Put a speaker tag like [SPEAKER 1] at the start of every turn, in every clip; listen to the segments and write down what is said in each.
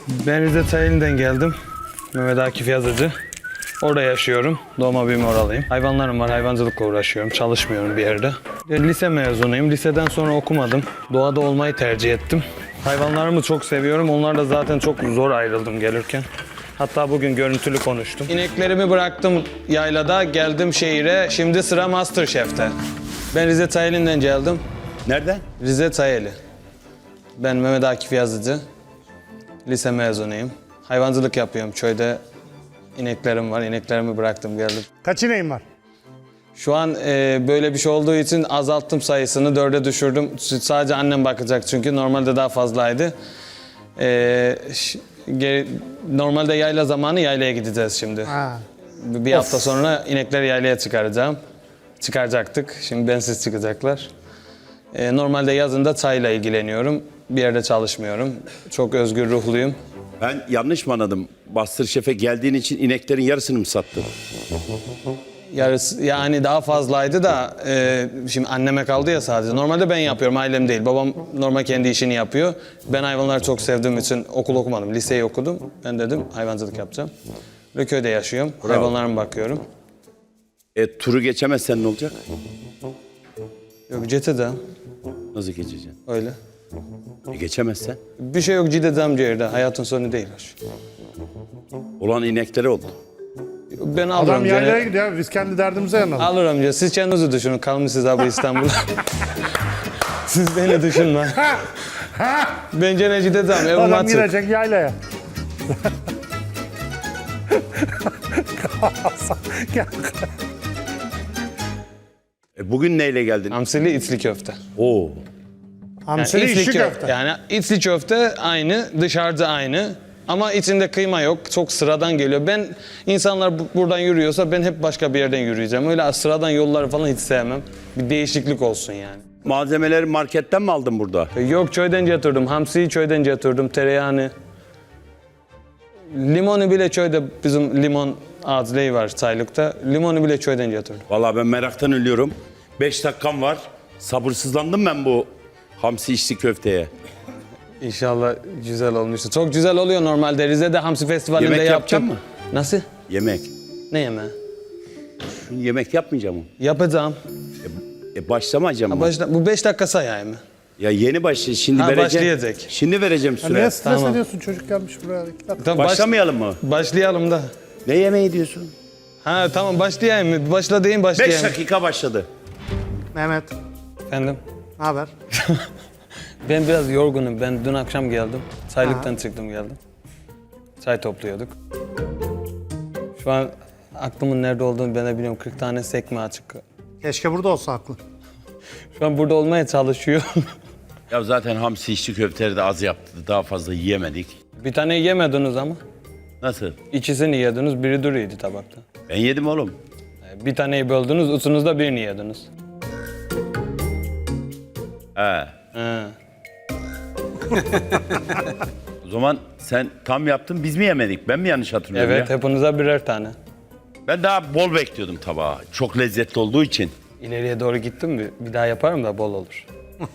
[SPEAKER 1] Ben Rize Tayeli'nden geldim. Mehmet Akif Yazıcı. Orada yaşıyorum. Doğma büyüme oralıyım. Hayvanlarım var, hayvancılıkla uğraşıyorum. Çalışmıyorum bir yerde. Lise mezunuyum. Liseden sonra okumadım. Doğada olmayı tercih ettim. Hayvanlarımı çok seviyorum. Onlarla zaten çok zor ayrıldım gelirken. Hatta bugün görüntülü konuştum. İneklerimi bıraktım yaylada, geldim şehire. Şimdi sıra MasterChef'te. Ben Rize Tayeli'nden geldim.
[SPEAKER 2] Nereden?
[SPEAKER 1] Rize Tayeli. Ben Mehmet Akif Yazıcı. Lise mezunuyum. Hayvancılık yapıyorum köyde. İneklerim var. İneklerimi bıraktım geldim.
[SPEAKER 3] Kaç ineğin var?
[SPEAKER 1] Şu an böyle bir şey olduğu için azalttım sayısını. 4'e düşürdüm. Sadece annem bakacak çünkü. Normalde daha fazlaydı. Normalde yayla zamanı yaylaya gideceğiz şimdi.
[SPEAKER 3] Ha.
[SPEAKER 1] Bir hafta sonra inekleri yaylaya çıkaracağım. Çıkaracaktık. Şimdi bensiz çıkacaklar. Normalde yazında çayla ilgileniyorum. Bir yerde çalışmıyorum. Çok özgür ruhluyum.
[SPEAKER 2] Ben yanlış mı anladım? MasterChef'e geldiğin için ineklerin yarısını mı sattın?
[SPEAKER 1] Yarısı, yani daha fazlaydı da şimdi anneme kaldı ya sadece. Normalde ben yapıyorum, ailem değil. Babam normal kendi işini yapıyor. Ben hayvanları çok sevdiğim için okul okumadım, liseyi okudum. Ben dedim hayvancılık yapacağım. Ve köyde yaşıyorum, hayvanlarıma bakıyorum.
[SPEAKER 2] Turu geçemezsen ne olacak?
[SPEAKER 1] Yok Cete'de,
[SPEAKER 2] Nasıl geçeceksin?
[SPEAKER 1] öyle.
[SPEAKER 2] Geçemezsen?
[SPEAKER 1] Bir şey yok Cide'de ciğerde, hayatın sonu değil.
[SPEAKER 2] Olan inekleri oldu.
[SPEAKER 1] Ben alırım
[SPEAKER 3] Adam yaylaya
[SPEAKER 1] canım.
[SPEAKER 3] gidiyor. Biz kendi derdimize yanalım.
[SPEAKER 1] Alırım diyor. Siz kendinizi düşünün. Kalmışsınız abi İstanbul'da. Siz beni düşünme. Bence Necide tamam. Evim
[SPEAKER 3] Adam
[SPEAKER 1] açık.
[SPEAKER 3] girecek yaylaya. Gel.
[SPEAKER 2] Bugün neyle geldin?
[SPEAKER 1] Hamsili içli köfte.
[SPEAKER 2] Oo.
[SPEAKER 3] Hamsili
[SPEAKER 1] içli
[SPEAKER 3] işi köfte.
[SPEAKER 1] Yani içli köfte aynı, dışarıda aynı. Ama içinde kıyma yok. Çok sıradan geliyor. Ben insanlar buradan yürüyorsa ben hep başka bir yerden yürüyeceğim. Öyle sıradan yolları falan hiç sevmem. Bir değişiklik olsun yani.
[SPEAKER 2] Malzemeleri marketten mi aldın burada?
[SPEAKER 1] Yok köyden getirdim. Hamsiyi köyden getirdim. Tereyağını. Limonu bile köyde bizim limon ağaçlığı var çaylıkta. Limonu bile köyden getirdim.
[SPEAKER 2] Vallahi ben meraktan ölüyorum. 5 dakikam var. Sabırsızlandım ben bu hamsi içli köfteye.
[SPEAKER 1] İnşallah güzel olmuştur. Çok güzel oluyor normalde. Rize'de Hamsi Festivali'nde
[SPEAKER 2] Yemek
[SPEAKER 1] yaptım.
[SPEAKER 2] yapacaksın mı?
[SPEAKER 1] Nasıl?
[SPEAKER 2] Yemek.
[SPEAKER 1] Ne yemeği?
[SPEAKER 2] Şimdi yemek yapmayacağım mı?
[SPEAKER 1] Yapacağım.
[SPEAKER 2] Başlamayacağım mı?
[SPEAKER 1] Bu 5 dakika sayayım mı?
[SPEAKER 2] Ya yeni başladı. Şimdi
[SPEAKER 1] Ha,
[SPEAKER 2] vereceğim.
[SPEAKER 1] başlayacak.
[SPEAKER 2] Şimdi vereceğim
[SPEAKER 3] Ya
[SPEAKER 2] süre.
[SPEAKER 3] niye stres
[SPEAKER 1] Tamam.
[SPEAKER 3] ediyorsun? Çocuk gelmiş buraya. 2 dakika.
[SPEAKER 1] Tamam,
[SPEAKER 2] Başlamayalım mı?
[SPEAKER 1] Başlayalım da.
[SPEAKER 2] Ne yemeği diyorsun?
[SPEAKER 1] Ha tamam başlayayım mı? Başla deyin
[SPEAKER 2] 5
[SPEAKER 1] başlayayım.
[SPEAKER 2] dakika başladı.
[SPEAKER 3] Mehmet,
[SPEAKER 1] Efendim?
[SPEAKER 3] ne haber?
[SPEAKER 1] Ben biraz yorgunum. Ben dün akşam geldim. Çaylıktan çıktım geldim. Çay topluyorduk. Şu an aklımın nerede olduğunu ben de bilmiyorum. 40 tane sekme açık.
[SPEAKER 3] Keşke burada olsa aklı.
[SPEAKER 1] Şu an burada olmaya çalışıyorum.
[SPEAKER 2] Ya zaten hamsi içli köfteleri de az yaptı. Daha fazla yiyemedik.
[SPEAKER 1] Bir tane yemediniz ama.
[SPEAKER 2] Nasıl?
[SPEAKER 1] İkisini yediniz, biri duruydu tabakta.
[SPEAKER 2] Ben yedim oğlum.
[SPEAKER 1] Bir taneyi böldünüz, ucunuzda birini yediniz.
[SPEAKER 2] He.
[SPEAKER 1] He.
[SPEAKER 2] O zaman sen tam yaptın, biz mi yemedik? Ben mi yanlış hatırlıyorum
[SPEAKER 1] Evet,
[SPEAKER 2] ya?
[SPEAKER 1] hepinize birer tane.
[SPEAKER 2] Ben daha bol bekliyordum tabağa. Çok lezzetli olduğu için.
[SPEAKER 1] İleriye doğru gittim mi bir daha yaparım da bol olur.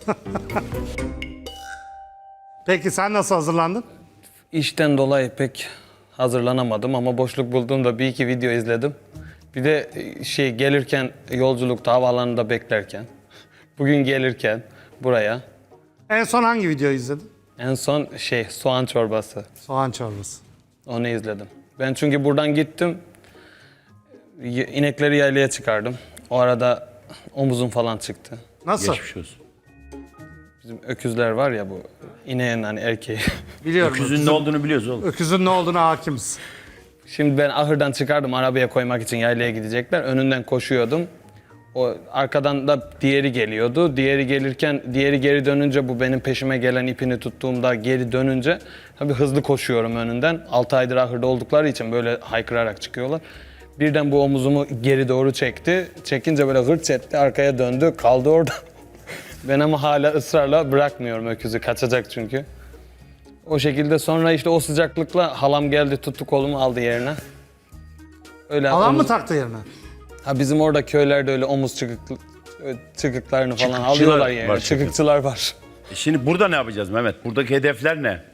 [SPEAKER 3] Peki sen nasıl hazırlandın?
[SPEAKER 1] İşten dolayı pek hazırlanamadım ama boşluk bulduğumda bir iki video izledim. Bir de gelirken yolculukta havaalanında beklerken, bugün gelirken buraya
[SPEAKER 3] En son hangi videoyu izledin?
[SPEAKER 1] en son soğan çorbası.
[SPEAKER 3] Soğan çorbası.
[SPEAKER 1] Onu izledim. Ben çünkü buradan gittim, inekleri yaylaya çıkardım. O arada omuzum falan çıktı.
[SPEAKER 3] Nasıl?
[SPEAKER 2] Geçmiş olsun.
[SPEAKER 1] Bizim öküzler var ya bu ineğin hani erkeği.
[SPEAKER 3] Biliyorum.
[SPEAKER 2] Öküzün ne olduğunu biliyoruz oğlum.
[SPEAKER 3] Öküzün ne olduğuna hakimiz.
[SPEAKER 1] Şimdi ben ahırdan çıkardım arabaya koymak için yaylaya gidecekler. Önünden koşuyordum. O arkadan da diğeri geliyordu. Diğeri gelirken diğeri geri dönünce bu benim peşime gelen ipini tuttuğumda geri dönünce tabii hızlı koşuyorum önünden. 6 aydır ahırda oldukları için böyle haykırarak çıkıyorlar. Birden bu omuzumu geri doğru çekti. Çekince böyle hırt etti, arkaya döndü, kaldı orada. Ben ama hala ısrarla bırakmıyorum öküzü, kaçacak çünkü. O şekilde sonra işte o sıcaklıkla halam geldi, tuttu kolumu aldı yerine. Öyle
[SPEAKER 3] Alan mı
[SPEAKER 1] omuz-
[SPEAKER 3] taktı yerine?
[SPEAKER 1] Ha bizim orada köylerde öyle omuz çıkıklarını falan
[SPEAKER 2] Çıkıkçılar
[SPEAKER 1] alıyorlar yerine.
[SPEAKER 2] var çünkü.
[SPEAKER 1] Çıkıkçılar var.
[SPEAKER 2] Şimdi burada ne yapacağız Mehmet? Buradaki hedefler ne?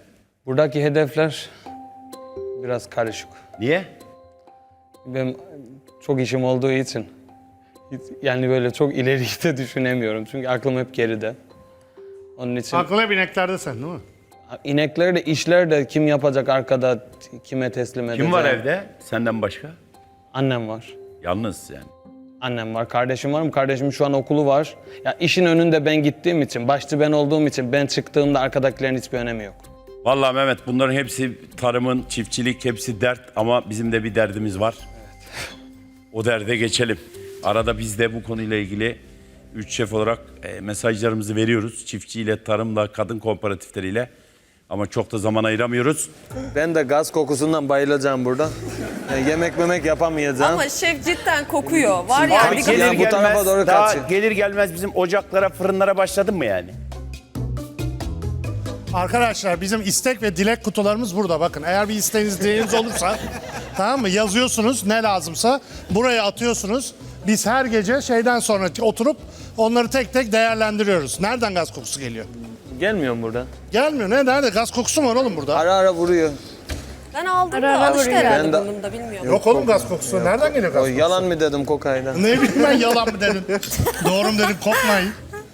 [SPEAKER 1] Buradaki hedefler biraz karışık.
[SPEAKER 2] Niye?
[SPEAKER 1] Benim çok işim olduğu için yani böyle çok ileriyi de düşünemiyorum. Çünkü aklım hep geride. Onun için
[SPEAKER 3] Aklın hep ineklerde sen değil mi?
[SPEAKER 1] inekleri de işler de kim yapacak arkada, kime teslim edeceğim.
[SPEAKER 2] Kim var evde senden başka?
[SPEAKER 1] Annem var.
[SPEAKER 2] Yalnız yani.
[SPEAKER 1] Annem var, kardeşim var mı? Kardeşimin şu an okulu var. Ya işin önünde ben gittiğim için, başçı ben olduğum için ben çıktığımda arkadakilerin hiçbir önemi yok.
[SPEAKER 2] Vallahi Mehmet bunların hepsi tarımın, çiftçilik hepsi dert ama bizim de bir derdimiz var. O derde geçelim. Arada biz de bu konuyla ilgili 3 şef olarak mesajlarımızı veriyoruz. Çiftçiyle, tarımla, kadın kooperatifleriyle. Ama çok da zaman ayıramıyoruz.
[SPEAKER 1] Ben de gaz kokusundan bayılacağım burada. Yani yemek memek yapamayacağım.
[SPEAKER 4] Ama şef cidden kokuyor. Var ya
[SPEAKER 1] Abi
[SPEAKER 4] bir
[SPEAKER 1] gelir
[SPEAKER 4] gün
[SPEAKER 1] bu tarafa doğru
[SPEAKER 2] daha
[SPEAKER 1] kaçıyor.
[SPEAKER 2] gelir gelmez bizim ocaklara, fırınlara başladın mı yani?
[SPEAKER 3] Arkadaşlar bizim istek ve dilek kutularımız burada. Bakın eğer bir isteğiniz, dileğiniz olursa tamam mı? Yazıyorsunuz ne lazımsa buraya atıyorsunuz. Biz her gece şeyden sonra oturup onları tek tek değerlendiriyoruz. Nereden gaz kokusu geliyor?
[SPEAKER 1] Gelmiyor mu burada?
[SPEAKER 3] Gelmiyor. Nerede? Gaz kokusu mu var oğlum burada?
[SPEAKER 1] Ara ara vuruyor.
[SPEAKER 4] ben aldım da
[SPEAKER 5] Ara
[SPEAKER 4] alıştı
[SPEAKER 5] vuruyor.
[SPEAKER 4] herhalde
[SPEAKER 1] Ben de-
[SPEAKER 4] burnumda bilmiyorum.
[SPEAKER 3] Yok oğlum gaz kokusu. Nereden geliyor gaz
[SPEAKER 1] O
[SPEAKER 3] kokusu?
[SPEAKER 1] yalan mı dedim kokayla?
[SPEAKER 3] Ne bileyim ben yalan mı dedin? Doğru mu dedim kokmayın.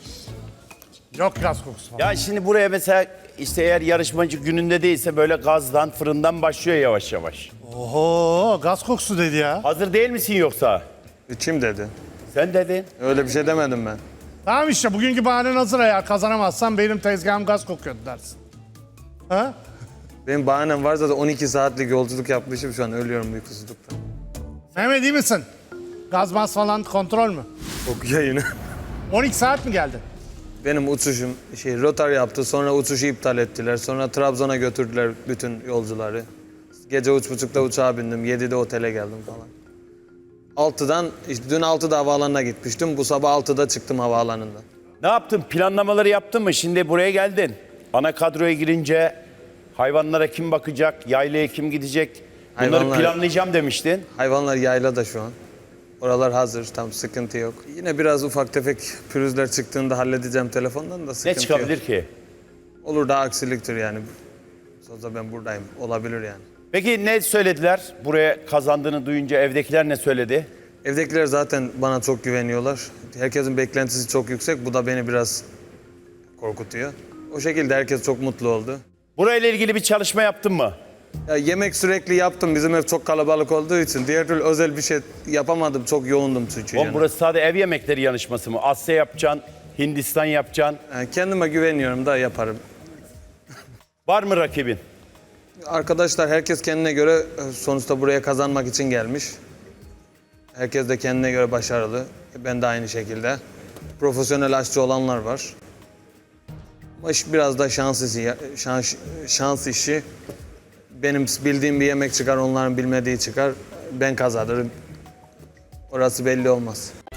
[SPEAKER 3] Yok gaz kokusu falan.
[SPEAKER 2] Ya şimdi buraya mesela işte eğer yarışmacı gününde değilse böyle gazdan, fırından başlıyor yavaş yavaş.
[SPEAKER 3] Oho gaz kokusu dedi ya.
[SPEAKER 2] Hazır değil misin yoksa?
[SPEAKER 1] Kim dedi?
[SPEAKER 2] Sen dedin.
[SPEAKER 1] Öyle bir şey demedim ben.
[SPEAKER 3] Tamam işte bugünkü bahanen hazır eğer kazanamazsan benim tezgahım gaz kokuyordu dersin. Ha?
[SPEAKER 1] Benim bahanem var zaten 12 saatlik yolculuk yapmışım şu an ölüyorum uykusuzluktan.
[SPEAKER 3] Mehmet iyi misin? Gaz mas falan kontrol mü?
[SPEAKER 1] Kokuyor yine.
[SPEAKER 3] 12 saat mi geldi?
[SPEAKER 1] Benim uçuşum rotar yaptı sonra uçuşu iptal ettiler. Sonra Trabzon'a götürdüler bütün yolcuları. Gece 3.30'da uçağa bindim 7'de otele geldim falan. 6'dan işte dün 6'da havaalanına gitmiştim. Bu sabah 6'da çıktım havaalanından.
[SPEAKER 2] Ne yaptın? Planlamaları yaptın mı? Şimdi buraya geldin. Ana kadroya girince hayvanlara kim bakacak? Yaylaya kim gidecek? Bunları
[SPEAKER 1] Hayvanlar-
[SPEAKER 2] planlayacağım demiştin.
[SPEAKER 1] Hayvanlar yaylada şu an. Oralar hazır, tam sıkıntı yok. Yine biraz ufak tefek pürüzler çıktığında halledeceğim telefondan da
[SPEAKER 2] Ne
[SPEAKER 1] sıkıntı
[SPEAKER 2] çıkabilir
[SPEAKER 1] yok.
[SPEAKER 2] ki?
[SPEAKER 1] Olur da aksiliktir yani. Sözde ben buradayım, olabilir yani.
[SPEAKER 2] Peki ne söylediler? Buraya kazandığını duyunca evdekiler ne söyledi?
[SPEAKER 1] Evdekiler zaten bana çok güveniyorlar. Herkesin beklentisi çok yüksek, bu da beni biraz korkutuyor. O şekilde herkes çok mutlu oldu.
[SPEAKER 2] Burayla ilgili bir çalışma yaptın mı?
[SPEAKER 1] Ya yemek sürekli yaptım, bizim ev çok kalabalık olduğu için. Diğer türlü özel bir şey yapamadım, çok yoğundum çünkü.
[SPEAKER 2] Oğlum
[SPEAKER 1] yani.
[SPEAKER 2] burası sadece ev yemekleri yarışması mı? Asya yapacaksın, Hindistan yapacaksın.
[SPEAKER 1] Yani kendime güveniyorum da yaparım.
[SPEAKER 2] Var mı rakibin?
[SPEAKER 1] Arkadaşlar herkes kendine göre sonuçta buraya kazanmak için gelmiş. Herkes de kendine göre başarılı. Ben de aynı şekilde. Profesyonel aşçı olanlar var. Ama iş biraz da şans işi. Benim bildiğim bir yemek çıkar, onların bilmediği çıkar. Ben kazanırım. Orası belli olmaz.